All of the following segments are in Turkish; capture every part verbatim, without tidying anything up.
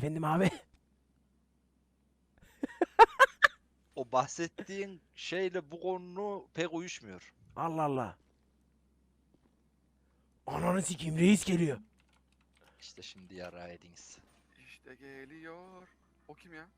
Efendim abi. O bahsettiğin şeyle bu konu pek uyuşmuyor. Allah Allah. Ananı sikeyim, reis geliyor. İşte şimdi yara ediniz. İşte geliyor. O kim ya?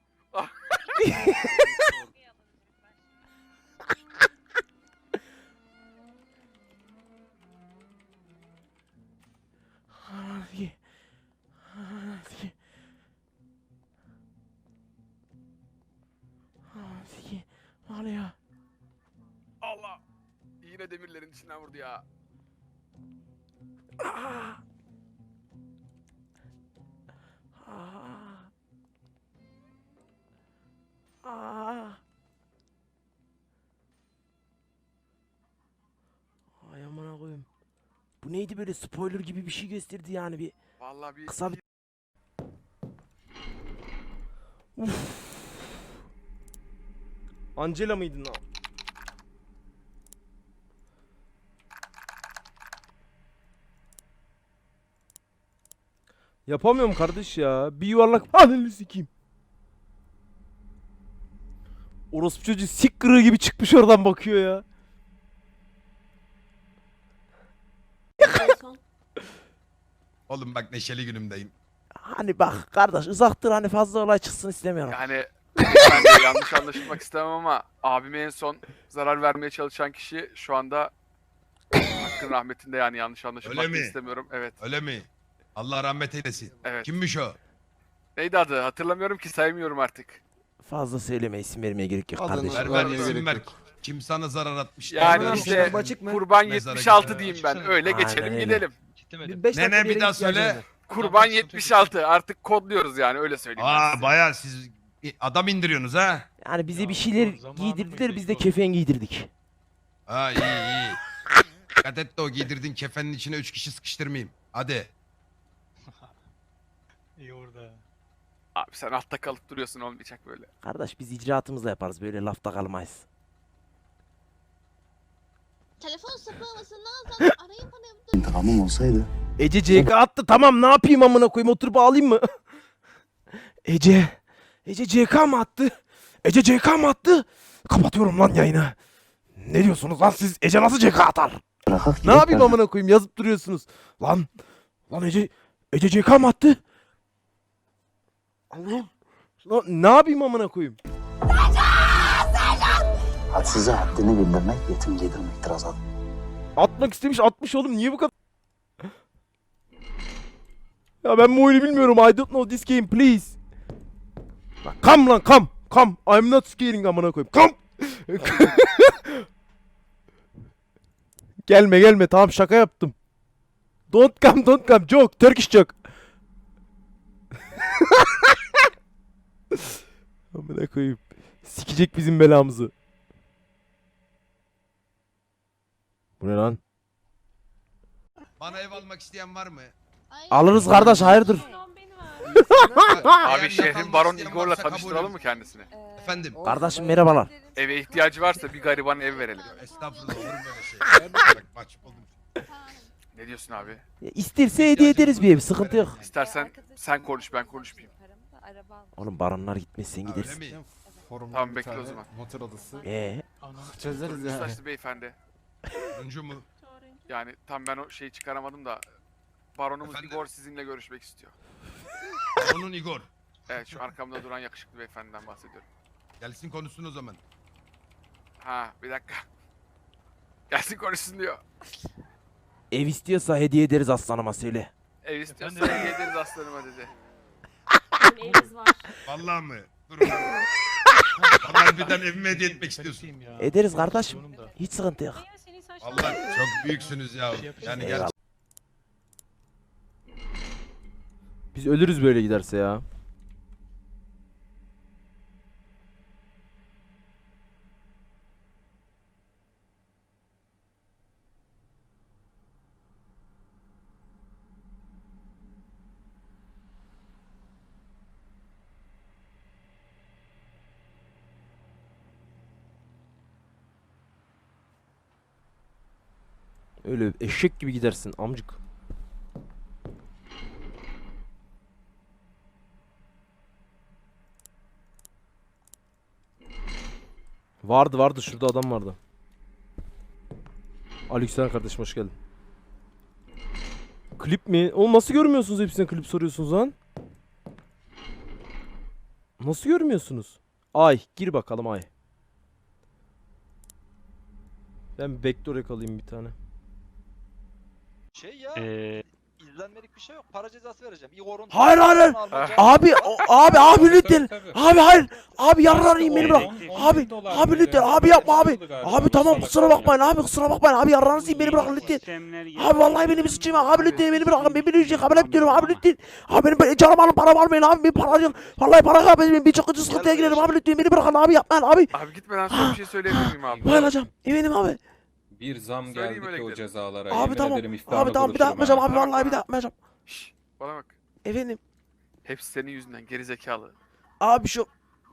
Ananı sikeyim. Ananı sikeyim. Ananı sikeyim. Ne oluyor? Allah! Yine demirlerin içinden vurdu ya. Aa! Aa! Aa! Ay amına koyayım. Bu neydi böyle, spoiler gibi bir şey gösterdi yani, bir Vallahi bir kısa bir... Uf. Angela mıydın lan? Yapamıyorum kardeş ya. Bir yuvarlak panelini sikeyim. Orospu çocuğu sik kırığı gibi çıkmış oradan bakıyor ya. Oğlum bak neşeli günümdeyim. Hani bak kardeş, uzaktır, hani fazla olay çıksın istemiyorum. yani ben de yanlış anlaşılmak istemem ama abime en son zarar vermeye çalışan kişi şu anda hakkın rahmetinde, yani yanlış anlaşılmak Öyle da mi? istemiyorum. Evet. Öyle mi? Allah rahmet eylesin. Evet. Kimmiş o? Neydi adı? Hatırlamıyorum ki, saymıyorum artık. Fazla söyleme, isim vermeye gerek yok Adını kardeşim. Ver ver vermeye isim gerek ver. yok. Kim sana zarar atmış? Yani Ver. işte Açık açık mı? kurban Mezara yetmiş altı gidelim. diyeyim ben. Açıksana. Öyle Aynen geçelim öyle. gidelim. Bir beş Ne, ne, dakika bir daha ihtiyacım söyle. var. Kurban Tamam, sıkıntı yetmiş yok. altı. Artık kodluyoruz yani, öyle söyleyeyim ben Aa size. baya siz adam indiriyorsunuz ha. Yani bize Ya, bir şeyler o zamanı giydirdiler, mıydı biz de o? kefen giydirdik. Ha iyi iyi. Dikkat et de o giydirdin kefenin içine üç kişi sıkıştırmayayım. Hadi. İyi orada. Abi sen altta kalıp duruyorsun, olmayacak böyle. Kardeş biz icraatımızla yaparız, böyle lafta kalmayız. Telefon sapılamasından zaten arayıp hani İntikamım olsaydı. Ece C K attı, tamam ne yapayım amına koyayım, oturup ağlayayım mı? Ece. Ece C K mı attı? Ece C K mı attı? Kapatıyorum lan yayını. Ne diyorsunuz lan siz? Ece nasıl C K atar? Bırakak Ne yapayım amına koyayım, yazıp duruyorsunuz. Lan. Lan Ece. Ece C K mı attı? Allah'ım. Lan ne yapayım amına koyayım? Hadsize haddini bildirmek yetim giydirmektir Azat. Atmak istemiş, atmış oğlum, niye bu kadar? Ya ben bu oyunu bilmiyorum. I don't know this game, please. Lan come lan come. Come. I'm not scaring amına koyayım. Come. Gelme gelme, tamam şaka yaptım. Don't come don't come. Joke. Turkish joke. Amına koyayım. Sikecek bizim belamızı. Bu ne lan? Bana ev almak isteyen var mı? Ay, Alırız kardeş, hayırdır? Abi Eğer şehrin yakalmak Baron isteyen Igor'la varsa tanıştıralım kabulüm. mı kendisini? Efendim. Kardeşim merhabalar. Eve ihtiyacı varsa bir gariban ev verelim. Estağfurullah olur mu böyle şey? Bak mahcup oldum. Ne diyorsun abi? Ya İsterse hediye ederiz bir ev, sıkıntı yok. İstersen sen konuş, ben konuşmayayım. Oğlum baronlar gitmez, sen Öyle gidersin. mi? Forumda Tamam, bir bekle o tane zaman. Motel odası. Ee, Anam. Çözeriz yani. Saçlı beyefendi. Turuncu mu? Yani tam ben o şeyi çıkaramadım da Baronumuz Efendim? Igor sizinle görüşmek istiyor. Onun Igor. Evet, şu arkamda duran yakışıklı beyefendiden bahsediyorum. Gelsin konuşsun o zaman. Ha, bir dakika. Gelsin konuşsun diyor. ev istiyorsa hediye ederiz aslanıma, söyle. Ev istiyorsa Efendim? hediye ederiz aslanıma dedi. evimiz var. Vallahi mı? Durun. Vallahi birden evime hediye etmek istiyorsun. Ya. Ederiz kardeşim. Sonunda. Hiç sıkıntı yok. Vallahi çok büyüksünüz ya. Yani Eyvallah. gerçekten. Biz ölürüz böyle giderse ya. Öyle eşek gibi gidersin amcık. Vardı vardı şurada adam vardı. Aleykümselam kardeşim hoş geldin. Klip mi? Oğlum nasıl görmüyorsunuz hepsine klip soruyorsunuz lan? Nasıl görmüyorsunuz? Ay gir bakalım ay. Ben vektör yakalayayım bir tane. Şey ya. Ee, izlenmelik bir şey yok. Para cezası vereceğim. Igor'un Hayır, hayır, hayır. almaca- Abi o- abi abi lütfen. Abi hayır. Abi yarrağını beni bırak. on- Abi abi lütfen abi yapma abi. Abi tamam kusura bakmayın abi kusura bakmayın abi yarrağınızı yiyin, beni bırakın lütfen. Abi vallahi beni bir sıçayım abi lütfen beni bırakın ben bir şey kabul etmiyorum abi lütfen. Abi benim ben canım alın paramı almayın abi bir para yok. Vallahi para kaybedeyim bir çok sıkıntıya girerim abi lütfen beni bırakın abi yapmayın abi. Abi gitmeden sonra bir şey söyleyebilir miyim abi? Bayılacağım eminim abi. Bir zam Söyleyeyim geldi öyle ki o gidelim. cezalara. Abi Yemin tamam. ederim iftarda Abi tamam bir daha buluşurum yapmayacağım ha. abi vallahi bir daha yapmayacağım. Şşş, bana bak. Efendim Hepsi senin yüzünden gerizekalı. abi şu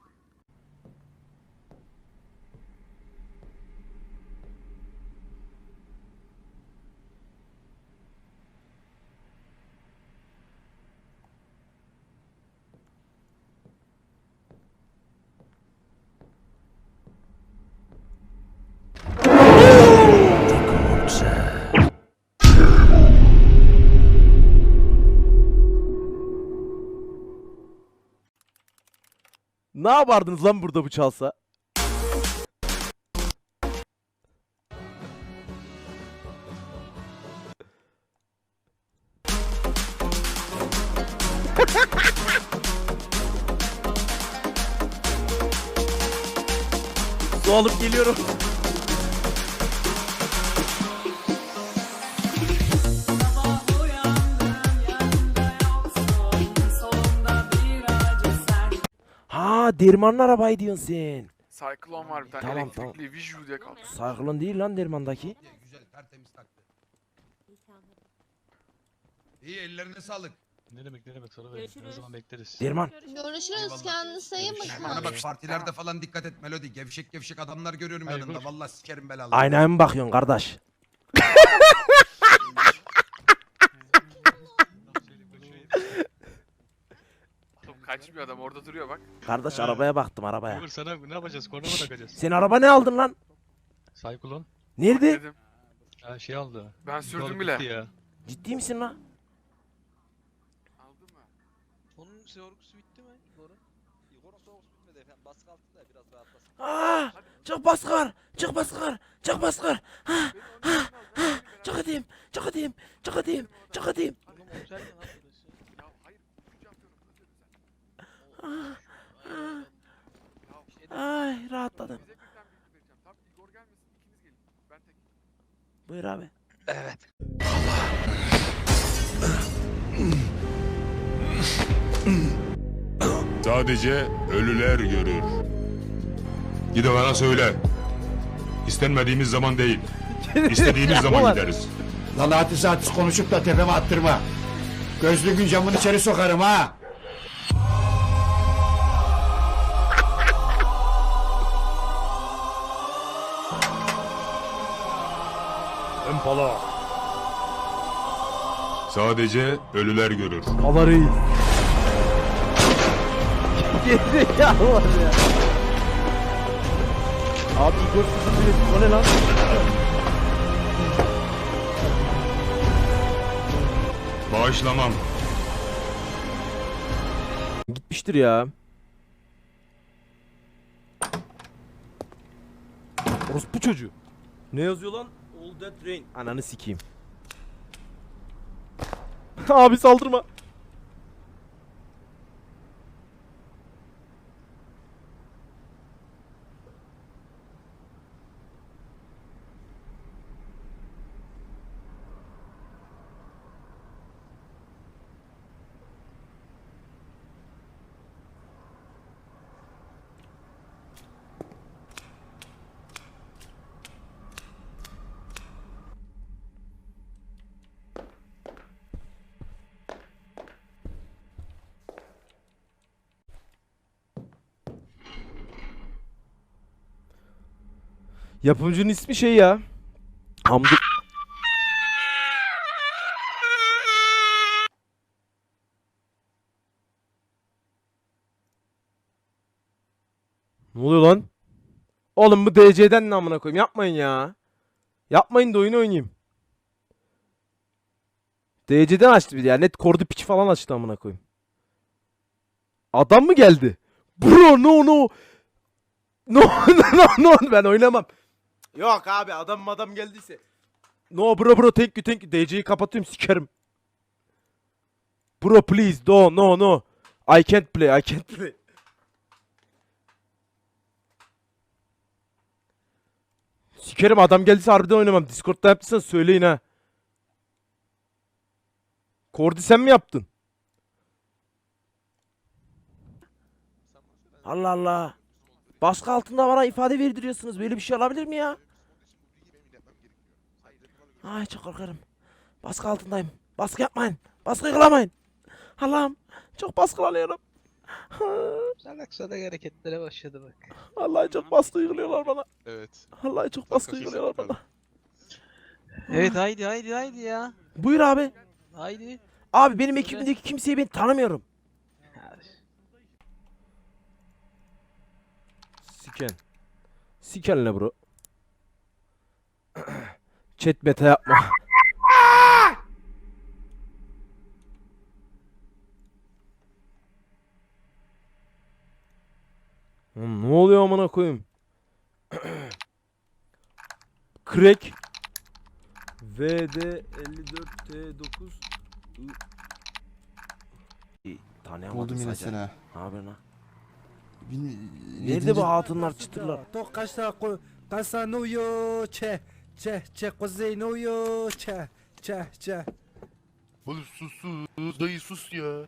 ne yapardınız lan burada bu çalsa? Su alıp geliyorum. Ha dermanlı arabayı diyorsun sen. Cyclone var bir tane Tamam, elektrikli Viju diye kaldı. Cyclone değil lan dermandaki. Güzel tertemiz taktı. İyi ellerine sağlık. ne demek ne demek sonra verin. Ne zaman bekleriz. Derman. Görüşürüz Eyvallah. kendinize iyi Görüşürüz. Bana bakın. bak partilerde falan dikkat et Melodi. Gevşek gevşek adamlar görüyorum Hayır, yanında. dur. Vallahi sikerim belalı. Aynaya mı bakıyorsun kardeş? Oğlum kaçmıyor adam orada duruyor bak. Kardeş Ha. arabaya baktım arabaya. Uğur sana ne yapacağız? Korna mı takacağız? Sen araba ne aldın lan? Cyclone. Nerede? Dedim. Ha şey aldı. Ben sürdüm Yol bile. bitti Ya. Ciddi misin lan? Aldın mı? Onun sorgusu bitti mi Igor'un? Igor'un sorgusu bitmedi efendim. Baskı altında ya, biraz rahatlasın. Aa, çık baskar, çık baskar, çık baskar. Ha, ha, ha, çık edeyim, çık edeyim, çık edeyim, çık edeyim. Oğlum otel mi lan burası? Ya hayır. Üçüncü atıyorum. Ah, ah, Ya ay rahatladım. bize birden bilgi vereceğim. Tamam Igor gelmesin ikiniz gelin. Ben tek. Buyur abi. Evet. Sadece ölüler görür. Gide bana söyle. İstenmediğimiz zaman değil, istediğimiz zaman gideriz. Lan hadis hadis konuşup da tepeme attırma. Gözlüğün camını içeri sokarım ha. Empala. Sadece ölüler görür. Allah reis. Gerizekalı var ya. Abi Igor sıfır bir o ne lan? Bağışlamam. Gitmiştir ya. Orospu çocuğu. Ne yazıyor lan? All that rain. Ananı sikeyim. Abi saldırma. Yapımcının ismi şey ya. Hamdi. Ne oluyor lan? Oğlum bu D C'den ne amına koyayım? Yapmayın ya. Yapmayın da oyun oynayayım. D C'den açtı bir de ya. Net kordu piç falan açtı amına koyayım. Adam mı geldi? Bro no no. No no no no ben oynamam. Yok abi adam adam geldiyse. No bro bro thank you thank you. D C'yi kapatıyorum sikerim. Bro please do no no. I can't play I can't play. Sikerim adam geldiyse harbiden oynamam. Discord'da yaptıysan söyleyin ha. Kordi sen mi yaptın? Allah Allah. Baskı altında bana ifade verdiriyorsunuz. Böyle bir şey olabilir mi ya? Ay çok korkarım. Baskı altındayım. Baskı yapmayın. Baskı uygulamayın. Allah'ım. Çok baskılanıyorum. Salak salak hareketlere başladı bak. Vallahi çok baskı uyguluyorlar bana. Evet. Vallahi çok baskı uyguluyorlar bana. Evet haydi haydi haydi ya. Buyur abi. Haydi. Abi benim ekibimdeki kimseyi ben tanımıyorum. Siken. Siken ne bro? Chat meta yapma. Oğlum ne oluyor amına koyayım? Crack V D elli dört T dokuz Tanıyamadım Buldum yine sadece. seni. Ne haber lan? Bin- Nerede yedinci- bu hatunlar çıtırlar? To kasa ko kasa no yo çe çe çe kuzey no yo çe çe çe. Oğlum sus sus. Dayı sus ya.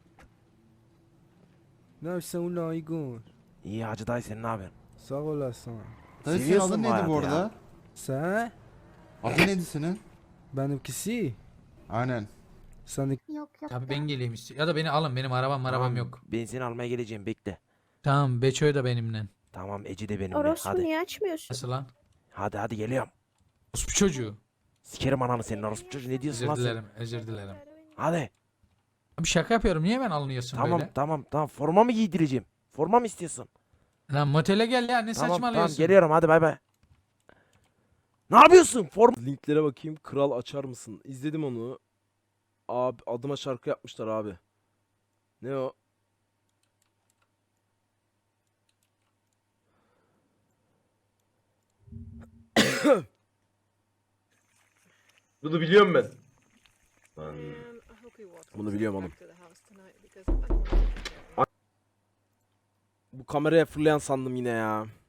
Ne yapıyorsun ulan Igor? İyi Hacı dayı sen ne haber? Sağ olasın. Dayı senin Seviyorsun adın bu neydi bu hayatı ya. arada? Sen? Adın neydi senin? Benimkisi. Aynen. Sen Yok yok. Abi ben geleyim istiyor. Ya da beni alın. Benim arabam arabam Tamam, yok. Ben seni almaya geleceğim bekle. Tamam Beço'yu da benimle. Tamam Ece de benimle. Orospu Hadi. niye açmıyorsun? Nasıl lan? Hadi hadi geliyorum. Orospu çocuğu. Sikerim ananı senin orospu çocuğu ne diyorsun Özür lan sen? dilerim. Özür dilerim. Hadi. Abi şaka yapıyorum. Niye ben alınıyorsun Tamam böyle? tamam tamam forma mı giydireceğim? Forma mı istiyorsun? Lan motele gel ya. Ne Tamam tamam saçmalıyorsun? geliyorum hadi bay bay. Ne yapıyorsun? Form linklere bakayım. Kral açar mısın? İzledim onu. Abi adıma şarkı yapmışlar abi. Ne o? Bunu biliyorum ben. Bunu biliyorum oğlum. Bu kameraya fırlayan sandım yine ya.